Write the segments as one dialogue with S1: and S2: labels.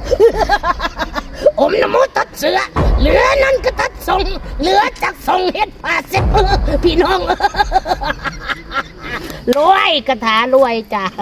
S1: อมน้ำมูตัดเสือเหลือนั่นก็ตัดส่งเหลือจากส่งเฮ็ดผ้าเซ็ตพี่น้องรวยกระถารวยจ้า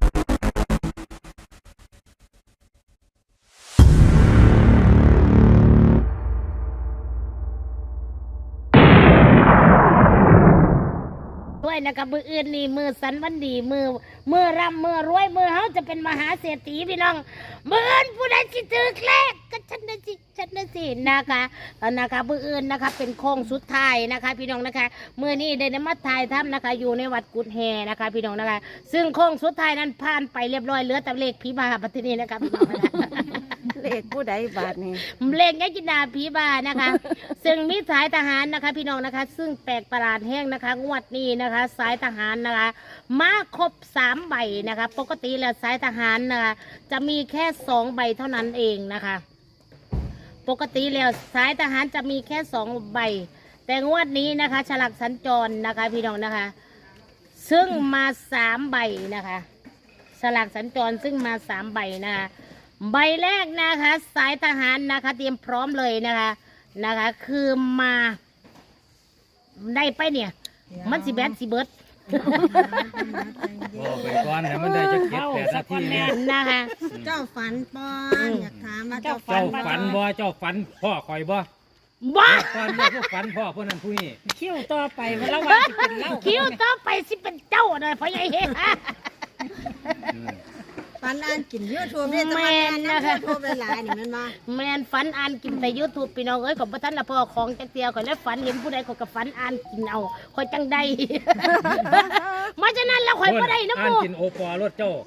S1: ด้วยนะคะมืออื่นนี่มือสันวันดีมือร่ำมือรวยมือเฮาจะเป็นมหาเศรษฐีพี่น้องมืออื่นผู้ใดสิถือเลขก็ฉันนะสินะคะมืออื่นนะคะเป็นโค้งสุดท้ายนะคะพี่น้องนะคะมือนี้ได้นมัสถ่ายทำนะคะอยู่ในวัดกุดแฮนะคะพี่น้องนะคะซึ่งโค้งสุดท้ายนั้นผ่านไปเรียบร้อยเหลือแต่เลขผีบาปฏินี้นะคะพี่น้อง
S2: เลขผู้ใดบาทนี่
S1: เลขยายจินดาผีบานะคะซึ่งมีสายทหารนะคะพี่น้องนะคะซึ่งแปลกประหลาดแห้งนะคะงวดนี้นะคะสายทหารนะคะมาครบ3 ใบนะคะปกติแล้วสายทหารนะคะจะมีแค่2 ใบเท่านั้นเองนะคะปกติแล้วสายทหารจะมีแค่2 ใบแต่งวดนี้นะคะฉลากสัญจรนะคะพี่น้องนะคะซึ่งมา3 ใบนะคะฉลากสัญจรซึ่งมา3 ใบนะคะใบแรกนะคะสายทหารนะคะเตรียมพร้อมเลยนะคะคือมาได้ไปเนี่ยมันสิแบดสิเบิร์ด
S3: บอกไปก่อนแต่มันได้จะเก็บแต่นาทีเนี่ย
S1: นะคะ
S2: เจ้าฝันปอนอยากถามว่าเจ้าฝัน
S3: บ่เจ้าฝันพ่อคอยบ่ก่อนพวกฝันพ่อพวกนั้นผู้นี้
S2: คิ้วต่อไปมันละวันสิเป็นเล่า
S1: คิ้วต่อไปสิเป็นเจ้าเลยพ่อใหญ่เฮ้
S2: ฝันอ่านกินยูทูบเนี่ยจะมาแมนนะคะยูทูบหลายๆนี่มันมา
S1: แมนฝันอ่านกินแต่ยูทูบพี่น้องเอ้ยของพระท่านละพ่อของจักเตียวก่อนแล้วฝันเห็นผู้ใดก็กับฝันอ่านกินเอาคอยจังใดมาฉะนั้นแล้วคอยบ่ได้นะ
S3: ปู่อ่านกินโอปอรถเจ้า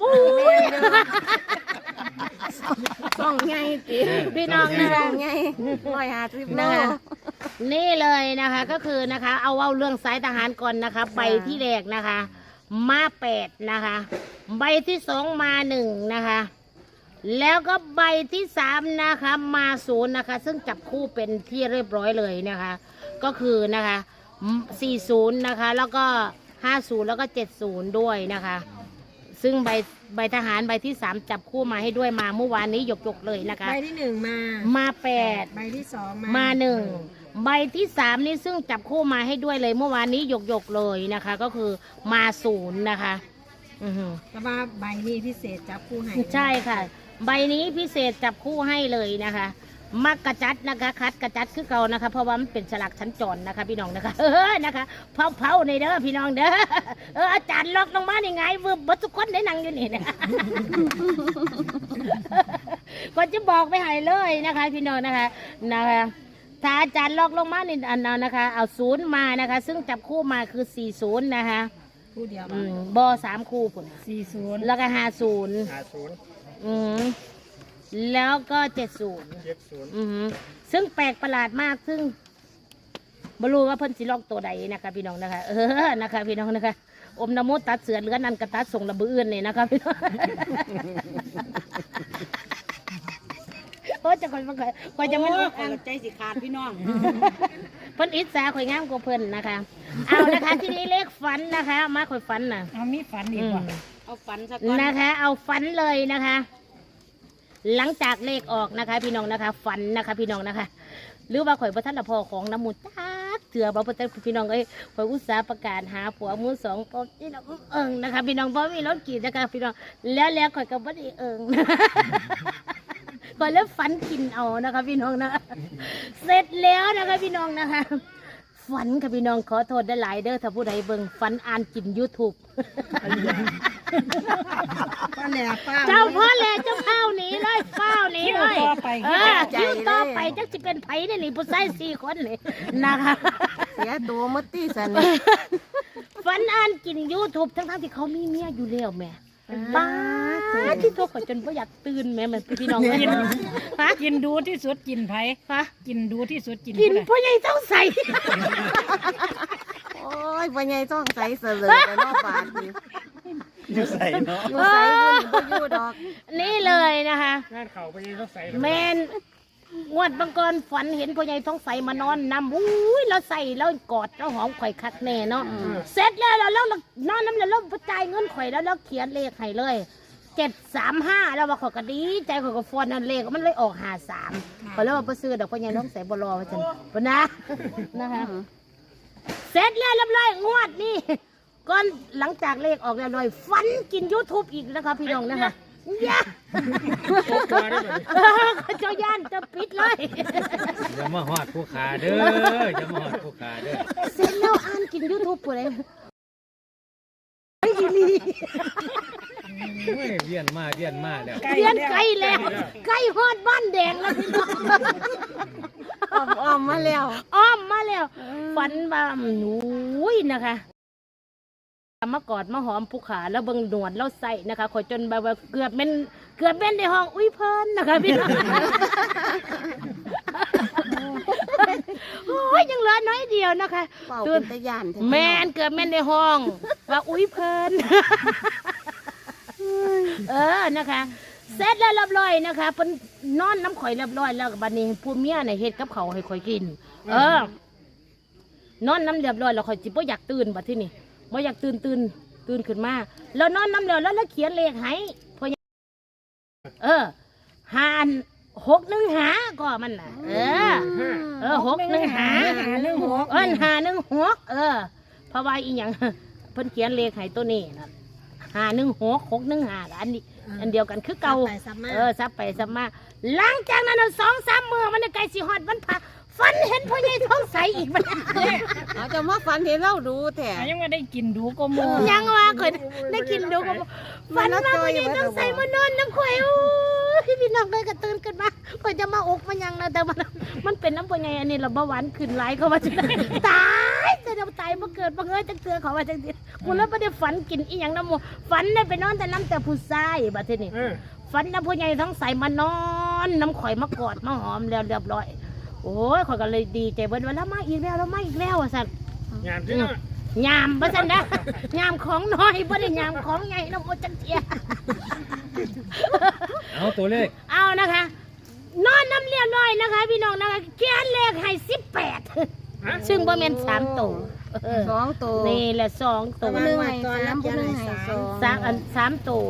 S2: ส่องไงตี
S1: พี่น้องนะ
S2: ไง150 โล
S1: นี่เลยนะคะก็คือนะคะเอาเรื่องสายทหารก่อนนะคะใบที่แรกนะคะมา8นะคะใบที่2มา1นะคะแล้วก็ใบที่3นะคะมา0นะคะซึ่งจับคู่เป็นที่เรียบร้อยเลยนะคะก็คือนะคะ40นะคะแล้วก็50แล้วก็70ด้วยนะคะซึ่งใบทหารใบที่3จับคู่มาให้ด้วยมาเมื่อวานนี้ยกเลยนะคะ
S2: ใบที่1มา
S1: 8
S2: ใบที่2
S1: มา1ใบที่3นี่ซึ่งจับคู่มาให้ด้วยเลยเมื่อวานนี้ยกเลยนะคะก็คือมา0นะคะ
S2: แต่ว่าใบนี้พิเศษจับคู่ให้
S1: ใช่ค่ะใบนี้พิเศษจับคู่ให้เลยนะคะมักกระจัดนะคะคัดกระจัดคือเก่านะคะเพราะว่ามันเป็นฉลากชั้นจรนะคะพี่น้องนะคะนะคะเผาในเด้อพี่น้องเด้ออาจารย์ล็อกลงมาในไงวืบบัดทุกคนได้นั่งอยู่นี่นะก็จะบอกไปให้เลยนะคะพี่น้องนะคะถ้าอาจารย์ล็อกลงมาในอันนั้นนะคะเอา0มานะคะซึ่งจับคู่มาคือ40นะคะ
S2: คู่เดียว
S1: บอ3 คู่ผล
S2: 40
S1: แล้วก็50แล้วก็70ซึ่งแปลกประหลาดมากซึ่งไม่รู้ว่าเพิ่นสิล็อกตัวใดนะคะพี่น้องนะคะนะคะพี่น้องนะคะอมน้ำมูตัดเสือเหลือนันกระตัดส่งระเบือนเลยนะคะพี่น้องโอ้จะคอยจะไม่รู้
S2: ใจสิขาดพี่น้อง
S1: เพิ่นอิจฉาข่อยงามกว่าเพิ่นนะคะเอานะคะที่นี้เลขฝันนะคะมาข่อยฝันน่ะ
S2: เอามีฝันดีกว่าเอาฝันสักก่อน
S1: นะคะเอาฝันเลยนะคะหลังจากเลขออกนะคะพี่น้องนะคะฝันนะคะพี่น้องนะคะหรือว่าข่อยพระท่านละพ่อของน้ำมูลเถื่อบ่พระท่านพี่น้องเอ้ยข่อยอุตสาห์ประกาศหาผัวมือ2ก็พี่น้องนะคะพี่น้องเพราะมีรถกี่นะคะพี่น้องแล้วข่อยก็บ่ได้ก่อนแล้วฝันกินเอานะคะพี่น้องนะเสร็จแล้วนะคะพี่น้องนะคะฝันค่ะพี่น้องขอโทษได้หลายเด้อถ้าผู้ใดเบิ่งฝันอ่านกิน YouTube เจ้าพ่อแหล่เจ้าข้าวหนีเลยข้าวหนีเลยคิวต่อไปจักจะเป็นไผ่เนี่ยนี่ผู้ชาย4 คนเลยนะคะ
S2: เสียตัวมัดตี้สัน
S1: ฝันอ่านกิน YouTube ทั้งที่เขามีเมียอยู่แล้วแม่ป้าที่โทรขอจนไม่อยากตื่นแม่มันพี่น้อง
S2: กินดูที่สุดกินไผ่กินดูที่สุด
S1: กินพ่อใหญ่ต้องใส่
S2: โอ้ยพ่อใหญ่ต้องใส่เสลอแต่นอกปาก
S3: อยู่ใส่เนาะ
S2: อยู่ใส่บุญอยู่ดอก
S1: นี่เลยนะคะ
S3: งานเข่าไปยังต้องใส่
S1: แมนงวดบางกรฝันเห็นพ่อใหญ่ท้องใสมานอนนำอุ้ยเราใส่แล้วกอดแล้วหอมข่อยคักแน่เนาะเสร็จแล้วเรานอนน้ำแล้วจ่ายเงินข่อยแล้วเขียนเลขให้เลย 735แล้วว่าขอยก็ดีใจขอยก็ฟ้อนนั่นเลขมันเลยออก53ก็เลยว่าบ่ซื้อดอกพ่อใหญ่น้องใส่บ่รอว่าซั่นบ่นะนะคะเสร็จแล้วเรียบร้อยงวดนี่ก่อนหลังจากเลขออกเรียบร้อยฟันกิน YouTube อีกนะคะพี่น้องนะคะย่าเจ้าย่านจะปิดเลย
S3: อย่ามาฮอดผู้ขาเด้ออย่ามาฮอดผู้ขาเด้อ
S1: เสร็จแล้วอ่านกิน YouTube ผู้ใดไม่ดีลี
S3: เฮ้ยเวียนมาแล้ว
S1: เรียนไกลแล้วไกลฮอดบ้านแดงแล้วพี่น้อง
S2: อ้อมมาแล้ว
S1: อ้อมมาแล้วฝันว่าหนูนะคะมากอดมาหอมผู้ขาแล้วเบิ่งหนวดแล้วใส่นะคะขอยจนแบบว่าเกือบเป็นในห้องอุ้ยเพิ่นนะคะพี่น้องโอ้ยยังเหลือน้อยเดียวนะคะ
S2: เป่าเป็นตะยาน
S1: แม่นเกือบแม่นในห้องว่าอุ้ยเพิ่นนะคะเสร็จแล้วเรียบร้อยนะคะเพิ่นนอนน้ำข่อยเรียบร้อยแล้วบัดนี้ผู้เมียน่ะเฮ็ดกับเขาวให้ข่อยกินนอนน้ำเรียบร้อยแล้วข่อยสิบ่อยากตื่นบัดทีนี้บ่อยากตื่นขึ้นมาแล้วนอนน้ำแล้วเขียนเลขให้พอหาน615ก็มันน่ะ615 516เพราะว่าอีหยังเพิ่นเขียนเลขให้ตัวนี้น่ะ516 615อันนี้อันเดียวกันคือเก่าซับไปซับมาหลังจากนั้น2-3 มื้อมันใกล้สิฮอดวันพระฝันเห็นพ่อใหญ่ท้องใสอีกมัน
S2: เอาจะมาฝันเห็นเราดูแท้ยังไม่ได้กินดูก็มู
S1: ยังว่าเคยได้กินดูก็ฝันว่าพ่อใหญ่ท้องใสมานอนน้ำข่อยโอ้พี่น้องเลยก็ตื่นขึ้นมาข่อยจะมาอกมันยังนะแต่มันเป็นน้ำพ่อใหญ่อันนี้เราเบาหวานขึ้นหลายเขาว่าจะตายจะตายมาเกิดมาเงยจังเตือเขาว่าจังเตือกูแล้วไม่ได้ฝันกินอีหยังน้ำมูฝันได้ไปนอนแต่น้ำแต่ผู้ชายบัดนี้ฝันน้ำพ่อใหญ่ท้องใสมานอนน้ำข่อยมากอดมาหอมแล้วเรียบร้อยโอ้ยข่อยก็เลยดีใจเบิ้ลว่าแล้วมาอีกแล้วอ่ะสันยามที่ยามบ่สันนะยามของน้อยบ่ได้ยามของใหญ่น้ำโอจังเทีย
S3: เอาตัวเลข
S1: เอานะคะนอนน้ำเรียบร้อยนะคะพี่น้องนะคะเขียนเลขให้18ซึ่งบ่แม่น3ตัว
S2: 2ตัว
S1: นี่แหละ2ตัว
S2: 1ให้ตอนน้ำ1ให้
S1: 3ตัว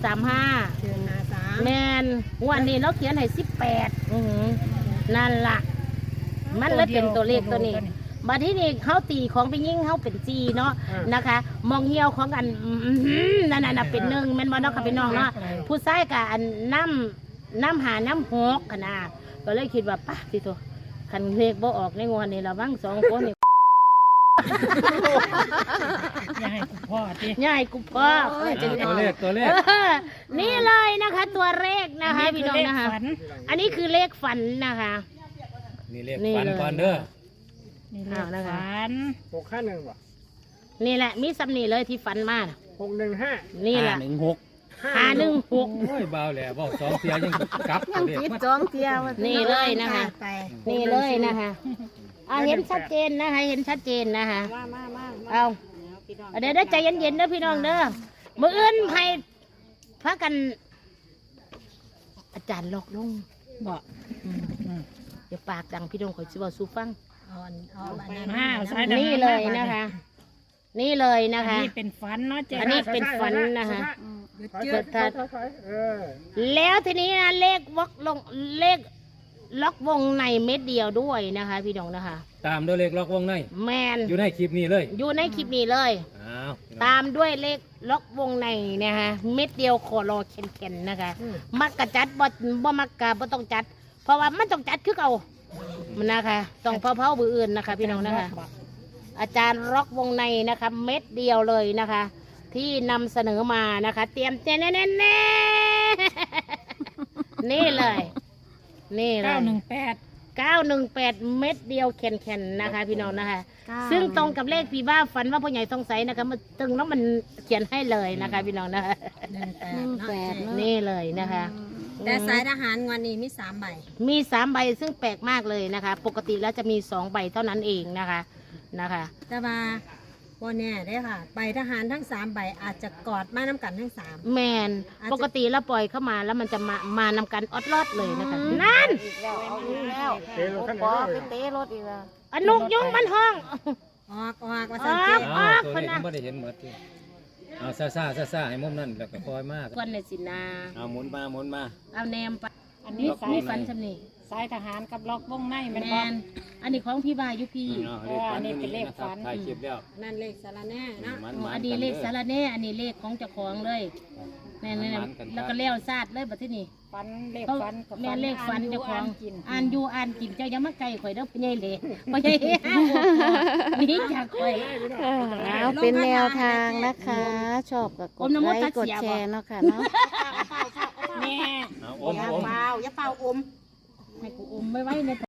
S1: 735แม่นวันนี้เราเขียนให้18นั่นล่ะมันเลยเป็นตัวเลขตัวนี้บัดที่นี่เขาตีของไปยิ่งเขาเป็นจีเนาะนะคะ มองเหี่ยวของกันนั่นน่ะเป็น1แม่นบ่เนาะค่ะพี่น้องเนาะผู้ชายกับอันน้ำหาน้ำ6ขนาดก็เลยคิดว่าป่ะสิโตคันเลขบ่ออกในงวดนี้ละมั้ง2คนนี่
S2: อย่าให้กูพ่อติ
S1: อย่าให้กูพ่อ
S3: ตัวเลข
S1: นี่เลยนะคะ ตัวเลขนะคะพี่น้องนะคะอันนี้คือเลขฝันนะคะ
S3: นี่เลขฝันก่อนเด้อ
S2: นี่เลขฝัน
S4: 651ว่ะ
S1: นี่แหละมีซ้ำนี่เลยที่ฝันมา
S4: 615
S1: นี่แหละ516
S3: โอ้ยเบาแล้วเบา2เที่ยยังกลับ
S2: ยังผิด2เที่ย
S1: นี่เลยนะคะนี่เลยนะคะเห็นชัดเจนนะคะเห็นชัดเจนนะคะเอาเดี๋ยวใจเย็นๆเด้อพี่น้องเด้อมื้ออื่นให้พากันอาจารย์หลอกลง
S2: บอก
S1: อย่าปากดังพี่น้องขอชิบะสู้ฟัง
S2: นี่
S1: เลยนะคะนี่เลยนะคะ
S2: นี่เป็นฝันเนาะเจ๊
S1: อันนี้เป็นฝันนะคะแล้วทีนี้นะเลขล็อกวงในเม็ดเดียวด้วยนะคะพี่น้องนะคะ
S3: ตามด้วยเลขล็อกวงใน
S1: แมน
S3: อยู่ในคลิปนี้เลย
S1: อยู่ในคลิปนี้เลยตามด้วยเลขล็อกวงในนะคะเม็ดเดียวขอรอเข็นๆนะคะมักกะจัดบ่มักกะบ่ต้องจัดเพราะว่ามันต้องจัดคือเก่ามันนะคะต้องเผาๆบืออื่นนะคะพี่น้องนะคะอาจารย์ล็อกวงในนะคะเม็ดเดียวเลยนะคะ ที่นำเสนอมานะคะเตรียมแน่นี่เลยนี่เลย918เม็ดเดียวแข็งๆนะคะพี่น้องนะคะซึ่งตรงกับเลขพี่บ้าฝันว่าพ่อใหญ่ต้องใส่นะคะมันตึงแล้วมันเขียนให้เลยนะคะพี่น้องนะคะ18นี่เลยนะคะ
S2: แต่สายทหารวันนี้มี3 ใบ
S1: มี3 ใบซึ่งแปลกมากเลยนะคะปกติแล้วจะมี2 ใบเท่านั้นเองนะคะ
S2: แต่ว่าวันนี้ได้ค่ะใบทหารทั้ง3 ใบอาจจะกอดมาน้ำกันทั้ง3
S1: แมนปกติแล้วปล่อยเข้ามาแล้วมันจะมานำกันออดรอดเลยนะคะนั่น
S4: แล้ว
S2: ไปเตะรถอีกแล้ว
S1: นุกยุ่งมันห้อง
S2: ออกว่า
S1: ออกคนนะ
S3: ไม่ได้เห็นหมดที่เอาซ่าให้มุมนั่นแล้วก็คอยมาก
S1: ก้อนในสินา
S3: เอาหมุนมา
S1: เอาแนมไป
S4: อันนี้สาย
S1: ฝันชำนี่
S4: สายทหารกับล็อกวงในแมัน
S1: แม
S4: บ่
S1: นอันนี้ของพี่บายุพี่
S4: อันนี้เป็นเลขฝัน
S3: ถ่ายคลิปแล้ว
S2: นั่นเลขสารแน่เนาะ
S1: อันนี้เลขสารแน่อันนี้เลขของเจ้าของเลยแม่นแล้วก็เลี้ยวซาดเลยบัดที่นี่
S4: ฝันเลข
S1: เขา
S4: ฝันกับ
S1: แม่นเลขฝันเจ้าของ
S4: กิน
S1: อ่านอยู่อ่านกินเจ้ายังมาไกลข่อยเด้อพ่อใหญ่เลยพ่อใหญ่ห้าหกนี่จากข่อย
S5: เอาเป็นแนวทางนะคะ ชอบก็กดไลค์กดแชร์เนาะค่ะเนาะ
S1: แม่
S3: เอา
S1: อย่าเป่าอมให้กูอมไว้ใน